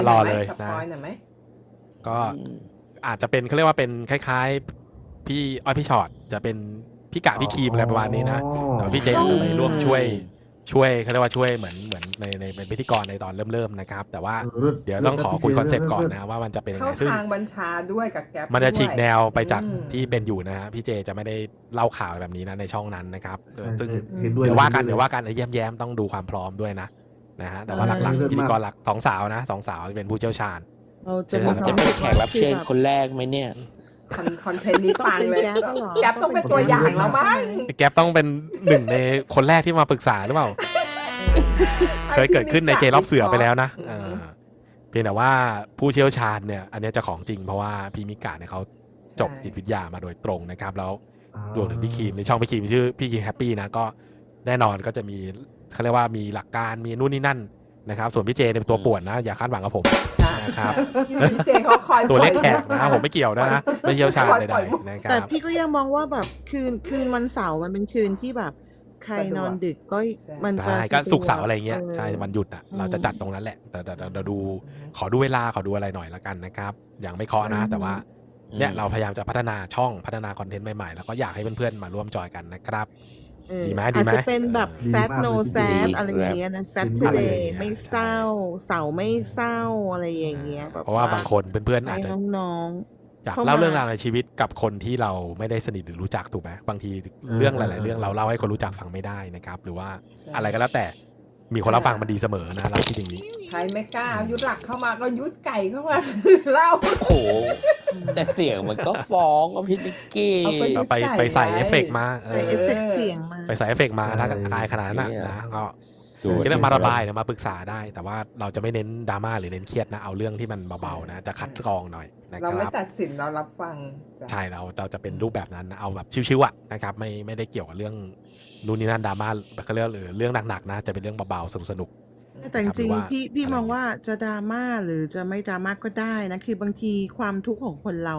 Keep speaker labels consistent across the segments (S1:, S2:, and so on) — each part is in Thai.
S1: รอเลย
S2: ส
S1: นะ
S2: ปอยหน่อยไหม
S1: ก็อาจจะเป็นเขาเรียกว่าเป็นคล้ายๆพี่พี่ชอตจะเป็นพี่กะพี่ครีมอะไรประมาณนี้นะแต่ว่าพี่เจอาจจะไปร่วมช่วยเขาเรียกว่าช่วยเหมือนในเป็นพิธีกรในตอนเริ่มๆนะครับแต่ว่าเดี๋ยวต้องขอคุยคอนเซปต์ก่อนนะว่ามันจะเป็นยัง
S2: เข้า
S1: ไงซึ่ง
S2: ทางบัญชาด้วยกับแก๊ป
S1: มันจะฉีกแนวไปจาก
S2: อืม
S1: ที่เป็นอยู่นะฮะพี่เจจะไม่ได้เล่าข่าวแบบนี้นะในช่องนั้นนะครับ
S3: ใช่
S1: ซึ่ง
S3: เห็นด้วย
S1: เดี๋ยวว่ากัน
S3: ล
S1: เดี๋ยวว่ากันแย้มๆต้องดูความพร้อมด้วยนะฮะแต่ว่าหลัก
S3: เลิศ
S1: ๆพิธี
S3: มาก
S1: กรหลักสองสาวนะสองสาวจะเป็นผู้เชี่ยวชาญ
S4: เราจะ
S1: เดี๋ยว
S4: มี
S1: จะ
S4: ความ
S5: เป็น
S4: รู้สึ
S5: แข
S4: ว่าก
S5: รับเชิญ
S4: แบบ
S5: คนแรกไหมเนี่ย
S2: คอนเทนต์นี้ปังเลย
S4: แก๊ปเหรอ
S2: แก๊ปต้องเป็นตัวอย่างแล้วมั้ง
S1: แก๊ปต้องเป็นหนึ่งในคนแรกที่มาปรึกษาหรือเปล่า เคยเกิดขึ้นในเจรอบเสือไปแล้วนะเพียงแต่ว่าผู้เชี่ยวชาญเนี่ยอันนี้จะของจริงเพราะว่าพี่มิกาเนี่ยเขาจบจิตวิทยามาโดยตรงนะครับแล้วรวมถึงพี่ครีมในช่องพี่ครีมชื่อพี่ครีมแฮปปี้นะก็แน่นอนก็จะมีเขาเรียกว่ามีหลักการมีนู่นนี่นั่นนะครับส่วนพี่เจเป็นตัวป่วนนะอย่าคาดหวังกับผมนะครับ
S2: พี่เจเขาคอย
S1: ตัวเลขแขกนะผมไม่เกี่ยวนะไม่เชี่ยวชาญใดๆนะค
S4: แต่
S1: รับ
S4: พี่ก็ยังมองว่าแบบคืนวันเสาร์มันเป็นคืนที่แบบใครนอนดึกก็มันจะ
S1: ใช่ก็
S4: สะดว
S1: ศุกร์เสาร์อะไรเงี้ยใช่
S4: ออ
S1: วันหยุดอ่ะเราจะจัดตรงนั้นแหละแต่เราดูขอดูเวลาขอดูอะไรหน่อยละกันนะครับอย่างไม่เคาะนะแต่ว่าเนี่ยเราพยายามจะพัฒนาช่องพัฒนาคอนเทนต์ใหม่ๆแล้วก็อยากให้เพื่อนๆมาร่วมจอยกันนะครับ
S4: เออ
S1: ดีไหม
S4: อาจจะเป็นแบบ
S3: ดี
S4: sad
S3: มาก
S4: no
S3: เลย
S4: sad
S5: ดี
S4: อะไรอย่างเงี้ยนะ
S3: ดีมากเลย
S4: Saturday ไม่เศร้าเสาร์ไม่เศร้าอะไรอย่างเงี้ยแบบ
S1: เพราะว่าบางคนเพื่อนๆอาจ
S4: ให้
S1: จะ
S4: น้อง
S1: อยาก
S4: เข้ามา
S1: เล่าเรื่องราวในชีวิตกับคนที่เราไม่ได้สนิทหรือรู้จักถูกไหมบางทีเรื่องหลายๆเรื่องเราเล่าให้คนรู้จักฟังไม่ได้นะครับหรือว่าอะไรก็แล้วแต่มีคนรับฟังมันดีเสมอนะเราคิดอย่างนี้
S2: ใครไม่กล้าเอายุดหลักเข้ามาก็ยุดไก่เข้ามา เล่า
S5: โอ้โห แต่เสียงมันก็ฟ้องอะพี่นิกกี้
S2: เอาไป
S1: ก็ไปใส่เอฟเฟกต์มา
S4: ๆใส่เอฟเฟกต์เสียงมา
S1: ไปใส่เอฟเฟกต์มาถ้า
S3: ใช่
S1: ตายขนาดนั้น
S5: เนี่ย
S1: นะก็
S5: สวย
S1: ก็เรื่องมาระบายเนี่ยมาปรึกษาได้ แต่ว่าเราจะไม่เน้นดราม่าหรือเน้นเครียดนะเอาเรื่องที่มันเบาๆนะจะคัดกรองหน่อยนะค
S2: เราไม่
S1: รับ
S2: ตัดสินเรารับฟังจ้ะ
S1: ใช่เราจะเป็นรูปแบบนั้นนะเอาแบบชิวๆอ่ะนะครับไม่ได้เกี่ยวกับเรื่องนู่นนี่นั่นดราม่าเขาเรียกหรือเรื่องหนักๆนะจะเป็นเรื่องเบาๆสนุก
S4: แต่จริง
S1: หรือว่า
S4: ๆพี่
S1: อะไร
S4: มองว่าจะดราม่าหรือจะไม่ดราม่าก็ได้นะคือบางทีความทุกข์ของคนเรา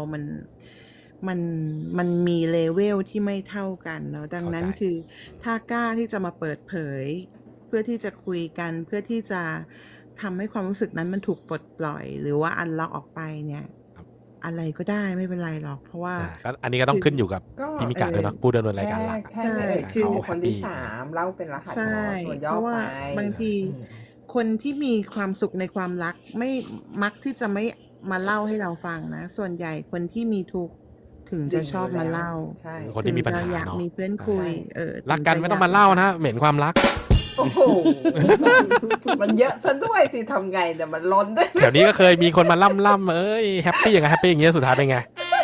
S4: มันมีเลเวลที่ไม่เท่ากันเนาะดังนั้นคือถ้ากล้าที่จะมาเปิดเผย เพื่อที่จะคุยกันเพื่อที่จะทำให้ความรู้สึกนั้นมันถูกปลดปล่อย หรือว่าอันล็อกออกไปเนี่ยอะไรก็ได้ไม่เป็นไรหรอก เพราะว่า
S1: ก็อันนี้ก็ต้องขึ้นอยู่กับ
S2: ก็
S1: พี่มิกาด้วยเนาะผู้ดำเนินรายการหลัก
S2: แค่ไม่เอ่ยชื่อบุคคลที่สามเล่าเป็นรหัส
S4: ใช่
S2: ตัวย่อ
S4: เพราะว่า
S2: ไป
S4: บางที
S2: อืม
S4: คนที่มีความสุขในความรักไม่มักที่จะไม่มาเล่าให้เราฟังนะ ส่วนใหญ่คนที่มีทุกข์ถึงจะชอบมาเล่า
S2: ใช่
S1: คนที่มีปัญหา
S4: ถึงจะอยาก
S1: เนาะ
S4: มีเพื่อนคุย
S1: รักกันไม่ต้องมาเล่านะเหม็นความรัก
S2: โอ้โห มันเยอะซะด้วยสิทำไงแต่มันล้นด้วย
S1: แถวนี้ก็เคยมีคนมาล่ำเอ้ยแฮปปี้อย่างไงแฮปปี้อย่างเงี้ยสุดท้ายเป็นไง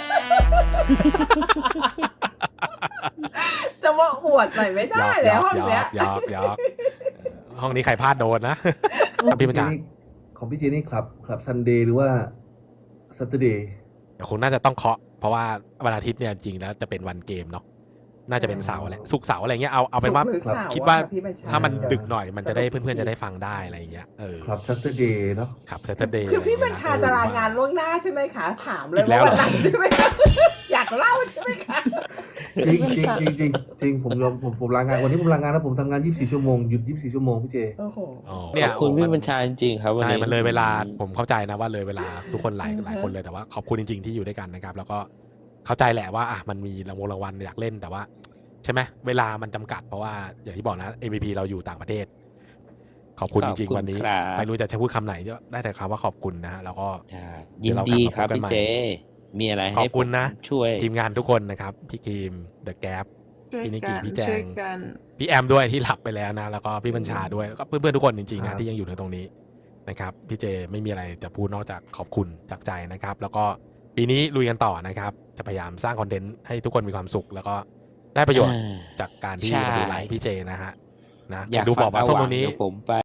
S2: จะมาอวดหน่อยไม่ได้แล้วห้องเนี้ย
S1: หยอกห้องนี้ใครพลาดโดนนะพี่ประจักษ์
S3: ของพี่เจนี่คลับซันเดย์หรือว่าซัตเดย์
S1: เดี๋ยวคงน่าจะต้องเคาะเพราะว่าวันอาทิตย์เนี่ยจริงแล้วจะเป็นวันเกมเนาะน่าจะเป็นเสาร์แหละศุกร์เสาร์อะไรเงี้ยเอาเป็นว่า
S2: ศุกร์หรือเสร์
S1: คิดว่า
S2: อะพี่บัญช
S1: ถ้ามันดึกหน่อยมันจะได้เพื่อนๆจะได้ฟังได้อะไรอย่างเงี้ย
S3: คลับซัตเดย์เนาะ
S1: ครับ Saturday
S2: คือพี่บัญชาจะรายงานล่วงหน้าใช่ไหมคะถามเลย
S1: อีกแล้
S2: ว่าว
S1: เหร
S2: วั
S1: อ
S2: นไหนใช่ไหมคะอยากเล่าใช่ไหมคะ
S3: จริงผมลางานวันนี้ผมลางานแล้วผมทำงาน24ชั่วโมงหยุด24ชั่วโมงพี่เจ
S2: โอ้โห
S1: อ๋อ
S5: ข
S1: เนี่
S5: อย บคุณพี่บัญชาจริงๆครับวัน
S1: ใช่
S5: นี้
S1: มันเลยเวลาผมเข้าใจนะว่าเลยเวลาทุกคนหลายคนเลยแต่ว่าขอบคุณจริงๆที่อยู่ด้วยกันนะครับแล้วก็เข้าใจแหละว่ามันมีรางวัลอยากเล่นแต่ว่าใช่ไหมเวลามันจำกัดเพราะว่าอย่างที่บอกนะ MVP เราอยู่ต่างประเทศ ขอบคุณจริงๆวันนี้
S5: ครับ
S1: ไม่รู้จะพูดคำไหนก็ได้แต่คำว่าขอบคุณนะฮะแล้วก็
S5: ใช่ยินดีครับพี่เจ มีอะไร
S1: ขอ
S5: ให้
S1: บคุณนะ
S5: ผมช่วย
S1: ทีมงานทุกคนนะครับพี่ครีมเดอะแก๊ป
S4: ช่วย
S1: พี่นิก
S4: กั
S1: กี้
S4: น
S1: พี่แจง
S4: ช่วยกัน
S1: พี่แอมด้วยที่หลับไปแล้วนะแล้วก็พี่บัญชาด้วยแล้วก็เพื่อนๆทุกคนจริงๆ
S3: ครั
S1: นะ
S3: บ
S1: ที่ยังอยู่ในตรงนี้นะครับพี่เจไม่มีอะไรจะพูดนอกจากขอบคุณจากใจนะครับ แล้วก็ปีนี้ลุยกันต่อนะครับ จะพยายามสร้างคอนเทนต์ให้ทุกคนมีความสุข แล้วก็ได้ประโยชน์จากการที่
S5: ใช่
S1: มาดูไลฟ์พี่เจนะฮะนะ
S5: อยาก
S1: ดู
S5: ฟั
S1: บอก
S5: ง
S1: ว่า
S5: อา
S1: ส้ม
S5: หวั
S1: ตรง งนี้
S5: เดี๋ยวผมไป